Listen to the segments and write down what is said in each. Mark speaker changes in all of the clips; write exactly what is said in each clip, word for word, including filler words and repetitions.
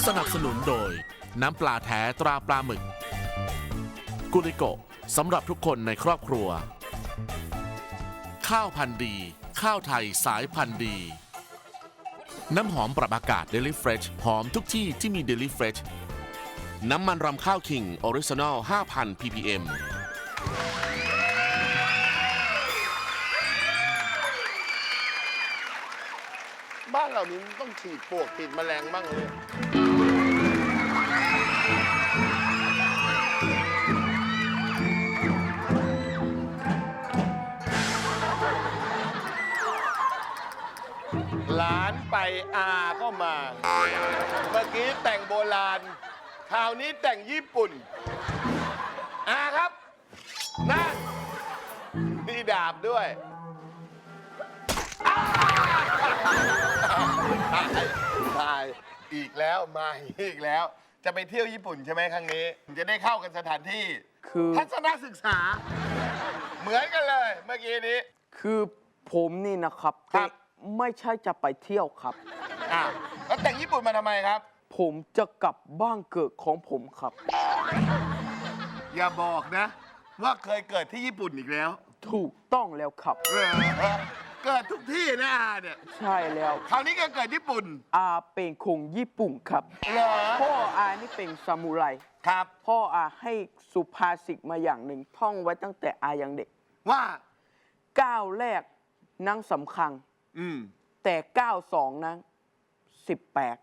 Speaker 1: สนับสนุนโดยน้ำปลาแท้ตราปลาหมึกกุลิโกสำหรับทุกคนในครอบครัวข้าวพันธุ์ดีข้าวไทยสายพันธุ์ดีน้ำหอมปรับอากาศ Daily Fresh หอมทุกที่ที่มี Daily Fresh น้ำมันรำข้าวคิงออริจินอล ห้าพัน พี พี เอ็ม
Speaker 2: บ้านเรานี้ต้องฉีดปลวกฉีดแมลงบ้างเลยหลานไปอาก็มา เมื่อกี้แต่งโบราณคราวนี้แต่งญี่ปุ่นอาครับนั่นมีดาบด้วยตายอีกแล้วมาอีกแล้ว จะไปเที่ยวญี่ปุ่นใช่ไหมครั้งนี้จะได้เข้ากันสถานที่
Speaker 3: คือ
Speaker 2: ทัศนศึกษา เหมือนกันเลยเมื่อกี้นี้
Speaker 3: คือผมนี่นะครับ
Speaker 2: ครับ
Speaker 3: ไม่ใช่จะไปเที่ยวครับ
Speaker 2: อ่ะแล้วแต่งญี่ปุ่นมาทำไมครับ
Speaker 3: ผมจะกลับบ้านเกิดของผมครับ
Speaker 2: อย่าบอกนะ ว่าเคยเกิดที่ญี่ปุ่นอีกแล้ว
Speaker 3: ถูกต้องแล้วครับ
Speaker 2: เออเกิดทุกที่นะอาเนี่ย
Speaker 3: ใช่แล้ว
Speaker 2: คราวนี้ก็เกิดญี่ปุ่น
Speaker 3: อาเป็นคงญี่ปุ่นครับ
Speaker 2: เหรอ
Speaker 3: พ่ออานี่เป็นซามูไร
Speaker 2: ครับ
Speaker 3: พ่ออาให้สุภาษิตมาอย่างหนึ่งท่องไว้ตั้งแต่อายังเด็ก
Speaker 2: ว่า
Speaker 3: ก้าวแรกนั่งสำคัญ
Speaker 2: อืม
Speaker 3: แต่ก้าวสองนั้นสิบแปด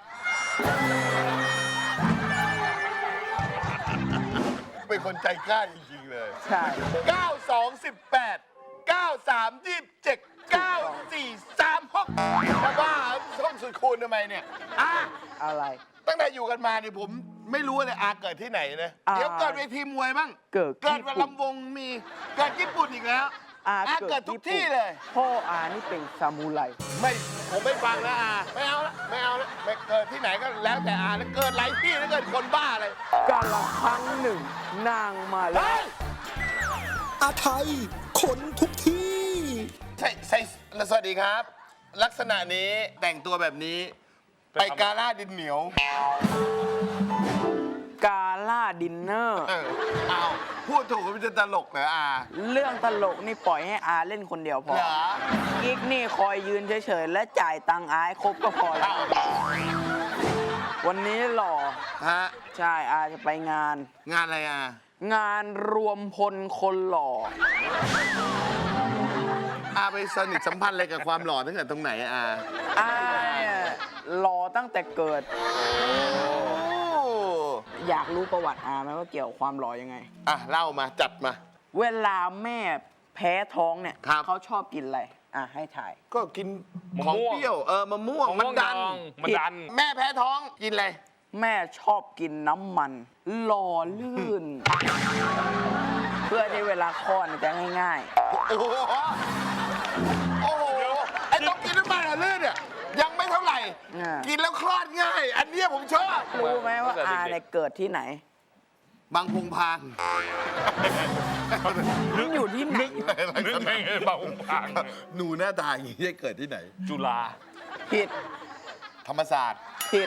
Speaker 2: เป็นคนใจกล้าจริงๆเลย
Speaker 3: ใช่
Speaker 2: เก้า สอง สิบแปด เก้า สาม ยี่สิบเจ็ด เก้า สี่ สาม หกจะบ้าท่องสุดคูณทำไมเนี่ยอ่ะ
Speaker 3: อะไร
Speaker 2: ตั้งแต่อยู่กันมาเนี่ยผมไม่รู้เลยอาเกิดที่ไหนนะ
Speaker 3: อ่า
Speaker 2: เดี๋ยวเกิดเวทีมวยบ้าง
Speaker 3: เกิด
Speaker 2: เกิด
Speaker 3: ญี่
Speaker 2: วัน
Speaker 3: ปุ่น
Speaker 2: ลำวงมีเกิดญี่ปุ่นอีกแล้ว
Speaker 3: อา
Speaker 2: อาเกิดทุกที่เลย
Speaker 3: พ่ออานี่เป็นซามูไร
Speaker 2: ไม่ผมไม่ฟังแล้วอาไม่เอาละไม่เอาละไม่เกิดที่ไหนก็แล้วแต่อาแล้วเกิดหลายที่แล้วเกิดคนบ้าเลย
Speaker 3: กาละครั้งหนึ่งนางมาแล้
Speaker 2: เฮ้
Speaker 3: วย
Speaker 4: อาไทยขนทุกที่
Speaker 2: ใช่ใช่สวัสดีครับ ลักษณะนี้แต่งตัวแบบนี้ ไปกาล่าดินเหนียว
Speaker 3: กาล่าดินเนอร์
Speaker 2: เออเอาพูดถูกก็มันจะตลกเหรออา
Speaker 3: เรื่องตลกนี่ปล่อยให้อาเล่นคนเดียวพอ
Speaker 2: เหรอ
Speaker 3: กิ๊กนี่คอยยืนเฉยๆ และจ่ายตังค์อาให้ครบก็พอแล้ว วันนี้หล่อ
Speaker 2: ฮะ
Speaker 3: ใช่อาจะไปงาน
Speaker 2: งานอะไรอา
Speaker 3: งานรวมพลคนหล่อ
Speaker 2: อาไปสนิทสัมพันธ์อะไรกับความหล่อตั้งแต่ตรงไหนอา
Speaker 3: อาเนี่ยหล่อตั้งแต่เกิด อยากรู้ประวัติอาไหมว่าเกี่ยวกับความหล่อยังไง
Speaker 2: อ่ะเล่ามาจัดมา
Speaker 3: เวลาแม่แพ้ท้องเนี่ย
Speaker 2: ครับ
Speaker 3: เขาชอบกินอะไร อ่ะให้ถ่าย
Speaker 2: ก็กิน
Speaker 5: มะ
Speaker 2: ของ
Speaker 5: ม่วง
Speaker 2: เปรี้ยวเออมะม่วง
Speaker 5: ของ
Speaker 2: มันดัน
Speaker 5: ดองมันดัน
Speaker 2: แม่แพ้ท้องกินอะไร
Speaker 3: แม่ชอบกินน้ำมันหล่อลื่น เพื่อที่เวลาคลอดเนี่ยจะง่าย
Speaker 2: โอ้โหโอ้โหไอ้ต้องกินน้ำมันอะลื่นเนี่ยยังไม่เท่าไหร่
Speaker 3: อ่ากิ
Speaker 2: กินแล้วคลอดง่าย อันเนี้ยผมชอบ
Speaker 3: ๆ รู้ไหมว่าอาเนี่ยเกิดที่ไหน
Speaker 2: บางพงพาง
Speaker 3: มันอยู่ที่ไหน
Speaker 5: นึกไงเบาองค์พัง
Speaker 2: หนูหน้าตาอย่างนี้ได้เกิดที่ไหน
Speaker 5: จุฬา
Speaker 3: ผิด
Speaker 2: ธรรมศาสตร์
Speaker 3: ผิด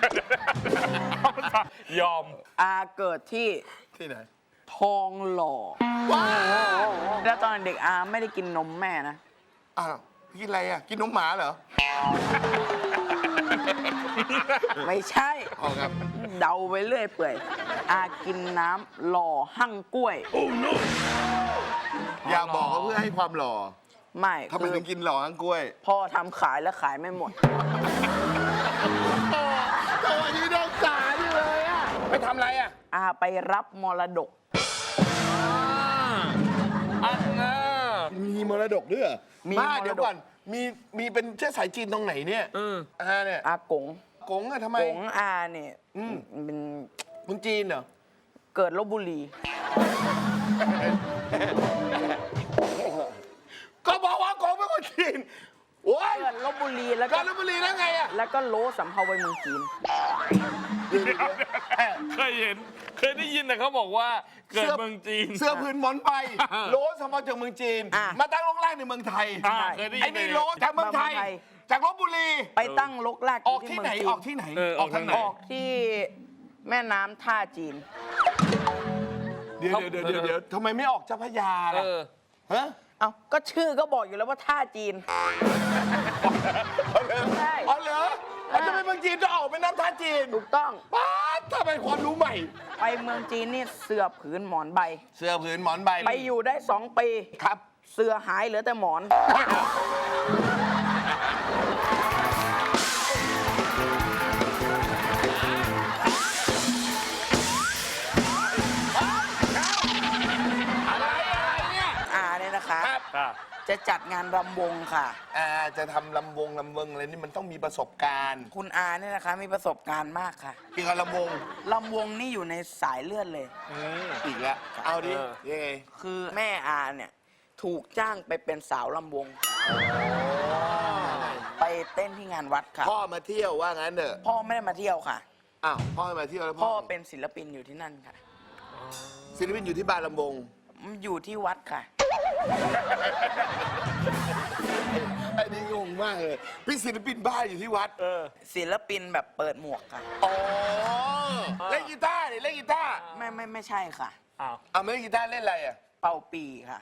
Speaker 5: ยอม
Speaker 3: อาเกิดที่
Speaker 2: ที่ไหน
Speaker 3: ทองหล่อ
Speaker 2: ว้าว
Speaker 3: แล้วตอนเด็กอาไม่ได้กินนมแม่นะ
Speaker 2: อ้าวกินอะไรอ่ะกินนมหมาเหรอ
Speaker 3: ไม่ใช่
Speaker 2: อ๋อครับ
Speaker 3: เดาไปเรื่อยเปื่อย อากินน้ำหล่อหั่งกล้วย
Speaker 2: อย่าบอกว่าเพื่อให้ความหล่อ
Speaker 3: ไม่
Speaker 2: ทำไม
Speaker 3: คือ
Speaker 2: ถึงกินหล่อทั้งกล้วย
Speaker 3: พ่อทำขายแล้วขายไม่หมด
Speaker 2: ตัวนี้น้องสาดิเลยอ่ะไปทำอะไรอ่ะ
Speaker 3: อาไปรับมรดก
Speaker 5: อันน่ะ
Speaker 2: มีมรดกด้วยเหรอ
Speaker 3: มี
Speaker 2: บ้าม
Speaker 3: รดก
Speaker 2: เดี๋ยวก่อน มี มีเป็นเชื้อสายจีนตรงไหนเนี่ย
Speaker 5: เออ
Speaker 2: อาเนี่ย
Speaker 3: อากง
Speaker 2: กงอะทำไม
Speaker 3: กงอาเนี่ย
Speaker 2: อืม
Speaker 3: เป็น
Speaker 2: คนจีนเหรอ
Speaker 3: เกิดลบบุรี
Speaker 2: ก็บอกว่ากงเป็นคนจีน โอ้ย
Speaker 3: เกิดลบบุรีแล้ว
Speaker 2: กา
Speaker 3: ก็
Speaker 2: ญจนบุรีแล้วไงอะ
Speaker 3: แล้วก็โลสำเภาไปเมืองจีน
Speaker 5: เคยเห็น เคยได้ยินแต่เขาบอกว่าเกิดเมืองจีน
Speaker 2: เสื้อพื้นหมอนใบโลสมาจากเมืองจีน
Speaker 3: อ่ะ
Speaker 2: มาตั้งโรงแรกในเมืองไทย
Speaker 5: อ่าเคยได้ยิน
Speaker 2: ไอ้นี่โลจากเมืองไทย
Speaker 3: มาเมืองไทย
Speaker 2: จากลบบุรี
Speaker 3: ไปตั้งลกลาก
Speaker 2: ออกที่ไหน
Speaker 3: เมืงจี
Speaker 2: ออกที่ไหน
Speaker 5: เออออกทางไหน
Speaker 3: ออกที่แม่น้ำท่าจีน
Speaker 2: เดี๋ยวเดี๋ยวเดี๋ยวเดี๋ยวทำไมไม่ออกเจ้าพระยา
Speaker 5: เอ
Speaker 2: ล่ะ
Speaker 5: อ
Speaker 2: ฮะ
Speaker 3: เอาก็ชื่อก็บอกอยู่แล้วว่าท่าจีน ใช่
Speaker 2: อ๋อเหรอแล้วทำไมเมืองจีนจะออกไปน้ำท่าจีน
Speaker 3: ถูกต้อง
Speaker 2: ป๊าดทำไมความรู้ใหม่
Speaker 3: ไปเมืองจีนนี่เสือผืนหมอนใบ
Speaker 2: เสื้อผืนหมอนใบ
Speaker 3: ไปอยู่ได้สองปี
Speaker 2: ครับ
Speaker 3: เสือหายเหลือแต่หมอน
Speaker 2: อะไรอะไรเนี่ย
Speaker 3: อาเนี่ยนะคะ
Speaker 2: ครับ
Speaker 5: ค่ะ
Speaker 3: จะจัดงานรำวงค่ะ
Speaker 2: อ่าจะทำลำวงลำเวงอะไรนี่มันต้องมีประสบการณ์
Speaker 3: คุณอาเนี่ยนะคะมีประสบการณ์มากค่ะ
Speaker 2: เกี่ยวกับลำวง
Speaker 3: ลำวงนี่อยู่ในสายเลือดเลย
Speaker 2: อีกแล้วเอาดิ
Speaker 5: เออ
Speaker 2: ยังไง
Speaker 3: คือแม่อาเนี่ยถูกจ้างไปเป็นสาวลำวง ไปเต้นที่งานวัดค่ะ
Speaker 2: พ่อมาเที่ยวว่างั้นเถอะ
Speaker 3: พ่อไม่ได้มาเที่ยวค่ะ
Speaker 2: อ้าวพ่อมาเที่ยวแล้ว
Speaker 3: พ่
Speaker 2: พ่
Speaker 3: อ
Speaker 2: อ
Speaker 3: เป็นศิลปินอยู่ที่นั่นค่ะ
Speaker 2: ศิลปินอยู่ที่บ้านลำวง
Speaker 3: อยู่ที่วัดค่ะ
Speaker 2: ไอ้นี่งงมากเลยพี่ศิลปินบ้านอยู่ที่วัด
Speaker 5: เออ
Speaker 3: ศิลปินแบบเปิดหมวกค่ะ
Speaker 2: อ๋อเล่นกีตาร์ดิเล่นกีตาร์
Speaker 3: ไม่ไม่ไม่ใช่ค่ะ
Speaker 5: อ้าว
Speaker 2: เอาไม่เล่นกีตาร์เล่นอะไรอ่ะ
Speaker 3: เป่าปีค่ะ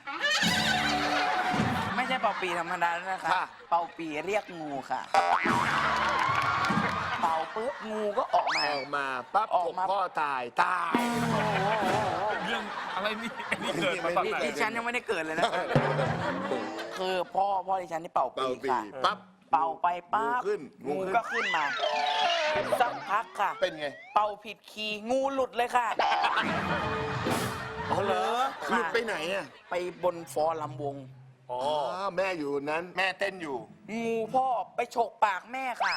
Speaker 3: ไม่ใช่เป่าปีธรรมดานะคะ
Speaker 2: ค่ะ
Speaker 3: เป่าปีเรียกงูค่ะ เป่าปุ๊บงูก็ออกมา
Speaker 2: ออกมาปั๊บ
Speaker 3: ออก
Speaker 2: ผม
Speaker 3: มา
Speaker 2: พ่อตายตาย
Speaker 5: เรื่องอะไรนี่อันนี่เกิดมาตอนไหน
Speaker 3: ดิฉันยังไม่ได้เกิดเลยนะ คือพ่อพ่อดิฉันนี่เป่าปี
Speaker 2: เป่าปี
Speaker 3: ค่ะ
Speaker 2: ปั๊บ
Speaker 3: เป่าไปปั๊บ
Speaker 2: งูขึ้นงู
Speaker 3: งู
Speaker 2: ขึ้น
Speaker 3: ก็ขึ้นมา สักพักค่ะ
Speaker 2: เป็นไง
Speaker 3: เป่าผิดคีย์งูหลุดเลยค่ะ
Speaker 2: อ๋อเหรอหลุดไปไหนอ่ะ
Speaker 3: ไปบนฟอร์ลำวง
Speaker 5: อ๋อ
Speaker 2: อ๋อแม่อยู่นั้นแม่เต้นอยู่
Speaker 3: งูพ่อไปฉกปากแม่ค่ะ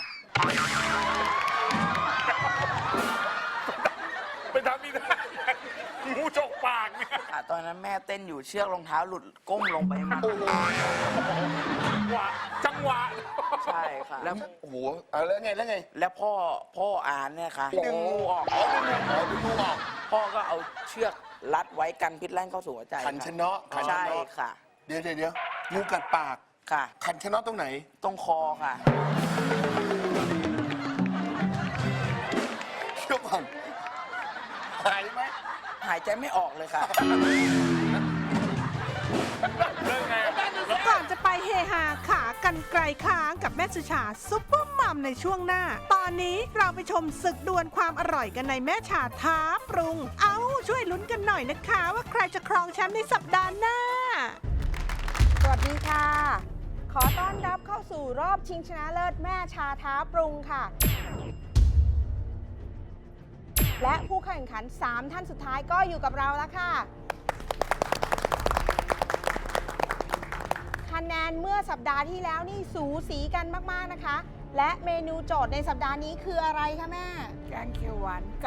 Speaker 5: ไปทำอีกได้งูจกปากเนี่ย
Speaker 3: อ่ะตอนนั้นแม่เต้นอยู่เชือกรองเท้าหลุดก้มลงไปมา
Speaker 5: จังหวะจังหวะ
Speaker 3: ใช่ค่ะ แล้ว
Speaker 2: โอ้โหเอาแล้วไงแล้วไง
Speaker 3: แล้วพ่อพ่ออานเนี่ยค่ะดึงงูออก
Speaker 2: อ๋อดึงงูอ๋อดึงงูออก
Speaker 3: พ่อก็เอาเชือกรัดไว้กันพิษแล่นเข้าสู่หัวใจ
Speaker 2: ขันชะเนาะขันชะ
Speaker 3: ใช่
Speaker 2: เนาะ
Speaker 3: ค่ะ
Speaker 2: เดี๋ยวเดี๋ยวเดี๋ยวงูกัดปาก
Speaker 3: ค่ะ
Speaker 2: ขันชะเนาะตรงไหน
Speaker 3: ตรงคอค่ะ
Speaker 2: เชื่อก่อนหายไหม
Speaker 3: หายใจไม่ออกเลยค่ะ
Speaker 5: เรื่องไง
Speaker 6: ก่อนจะไปเฮฮาขากันไกลค้างกับแม่สุชาซุปเปอร์มัมในช่วงหน้า ตอนนี้เราไปชมศึกดวลความอร่อยกันในแม่ชาท้าปรุง เอาช่วยลุ้นกันหน่อยนะคะ ว่าใครจะครองแชมป์ในสัปดาห์หน้า
Speaker 7: สวัสดีค่ะ ขอต้อนรับเข้าสู่รอบชิงชนะเลิศแม่ชาท้าปรุงค่ะ และผู้แข่งขัน สาม ท่านสุดท้ายก็อยู่กับเราแล้วค่ะ คะแนนเมื่อสัปดาห์ที่แล้วนี่สูสีกันมากๆนะคะ และเมนูโจทย์ในสัปดาห์นี้คืออะไรคะแม่
Speaker 6: แกงเขียวหวานไก่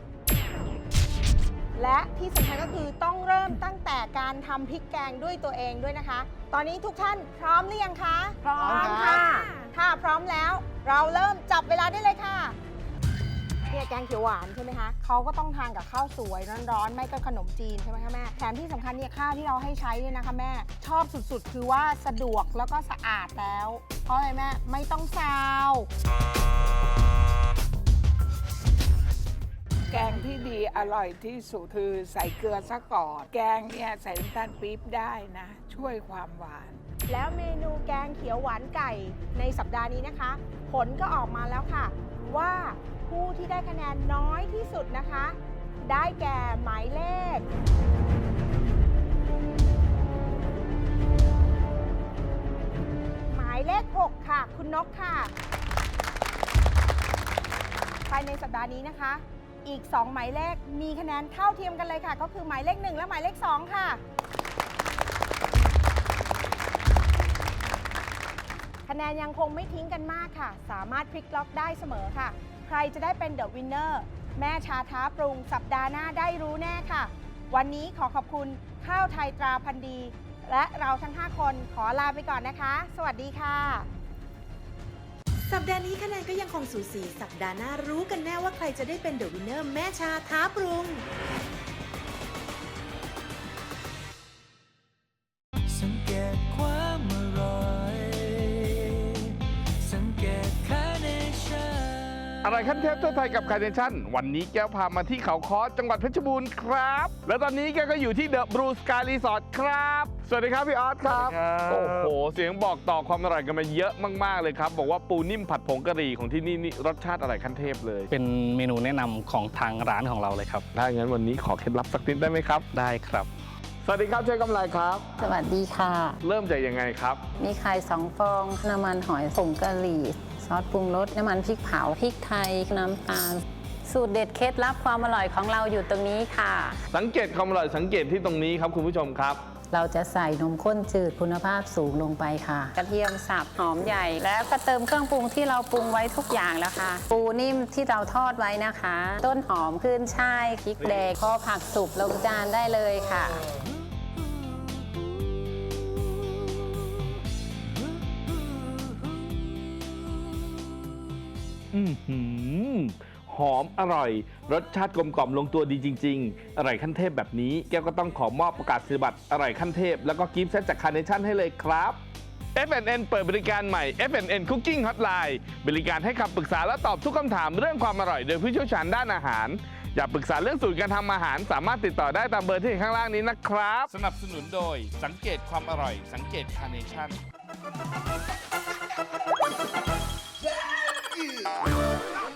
Speaker 7: และที่สำคัญก็คือต้องเริ่มตั้งแต่การทำพริกแกงด้วยตัวเองด้วยนะคะ ตอนนี้ทุกท่านพร้อมหรือยังคะ
Speaker 6: พร้อมค่ะ
Speaker 7: ถ้าพร้อมแล้วเราเริ่มจับเวลาได้เลยค่ะเนี่ยแกงเขียวหวานใช่ไหมคะเขาก็ต้องทานกับข้าวสวยร้อนๆไม่ก็ขนมจีนใช่ไหมคะแม่แถมที่สำคัญเนี่ยข้าวที่เราให้ใช้เนี่ยนะคะแม่ชอบสุดๆ คือว่าสะดวกแล้วก็สะอาดแล้ว เพราะอะไรแม่ไม่ต้องซาว
Speaker 8: แกงที่ดีอร่อยที่สุดคือใส่เกลือซะก่อนแกงเนี่ยใส่น้ำตาลปี๊บได้นะ ช่วยความหวาน
Speaker 7: แล้วเมนูแกงเขียวหวานไก่ในสัปดาห์นี้นะคะ ผลก็ออกมาแล้วค่ะ ว่าผู้ที่ได้คะแนนน้อยที่สุดนะคะ ได้แก่หมายเลข หมายเลข หก ค่ะ คุณนกค่ะ ภายในสัปดาห์นี้นะคะ อีก สอง หมายเลขมีคะแนนเท่าเทียมกันเลยค่ะ ก็คือหมายเลข หนึ่ง และหมายเลข สอง ค่ะ คะแนนยังคงไม่ทิ้งกันมากค่ะ สามารถพลิกล็อกได้เสมอค่ะ ใครจะได้เป็นเดอะวินเนอร์แม่ชาท้าปรุงสัปดาห์หน้าได้รู้แน่ค่ะ วันนี้ขอขอบคุณข้าวไทยตราพันธุ์ดี และเราทั้ง ห้า คนขอลาไปก่อนนะคะ สวัสดีค่ะ
Speaker 9: สัปดาห์นี้คะแนนก็ยังคงสูสี สัปดาห์หน้ารู้กันแน่ว่าใครจะได้เป็นเดอะวินเนอร์แม่ชาท้าปรุง
Speaker 10: สังเกตความอร่อย สั
Speaker 5: อะไรขั้นเทพทั่วไทยกับคาร์เนชั่นวันนี้แก้วพามาที่เขาค้อจังหวัดเพชรบูรณ์ครับ และตอนนี้แก้วก็อยู่ที่เดอะบลูสกายรีสอร์ทครับ สวัสดีครับพี่ออสครับ โอ้โห เสียงบอกต่อความอร่อยกันมาเยอะมากๆเลยครับ บอกว่าปูนิ่มผัดผงกะหรี่ของที่นี่นี่รสชาติอะไรขั้นเทพเลย
Speaker 10: เป็นเมนูแนะนำของทางร้านของเราเลยครับ
Speaker 5: ถ้าอย่างนั้นวันนี้ขอเคล็ดลับสักนิดได้ไหมครับ
Speaker 10: ได้ครับ
Speaker 5: สวัสดีครับเชฟกำไรครับ
Speaker 11: สวัสดีค่ะ
Speaker 5: เริ่มจากยังไงครับ
Speaker 11: มีไข่สองฟอง น้ำมันหอยผงกะหรี่ ซอสปรุงรส น้ำมันพริกเผา พริกไทย น้ำตาล สูตรเด็ดเคล็ดลับความอร่อยของเราอยู่ตรงนี้ค่ะ
Speaker 5: สังเกตความอร่อยสังเกตที่ตรงนี้ครับคุณผู้ชมครับ
Speaker 11: เราจะใส่นมข้นจืดคุณภาพสูงลงไปค่ะ กระเทียมสับหอมใหญ่ แล้วก็เติมเครื่องปรุงที่เราปรุงไว้ทุกอย่างแล้วค่ะ ปูนิ่มที่เราทอดไว้นะคะ ต้นหอมขึ้นช่ายพริกแดงพอผักสุกลงจานได้เลยค่ะ
Speaker 5: อือหือหอมอร่อย รสชาติกลมกล่อมลงตัวดีจริงๆ อร่อยขั้นเทพแบบนี้แก้วก็ต้องขอมอบประกาศนียบัตรอร่อยขั้นเทพแล้วก็กิฟต์เซตจากคาร์เนชั่นให้เลยครับ เอฟ แอนด์ เอ็น เปิดบริการใหม่ เอฟ แอนด์ เอ็น Cooking Hotline บริการให้คำปรึกษาและตอบทุกคำถามเรื่องความอร่อยโดยผู้เชี่ยวชาญด้านอาหาร อยากปรึกษาเรื่องสูตรการทำอาหารสามารถติดต่อได้ตามเบอร์ที่เห็นข้างล่างนี้นะครับ
Speaker 1: สนับสนุนโดยสังเกตความอร่อย สังเกตคาร์เนชั่น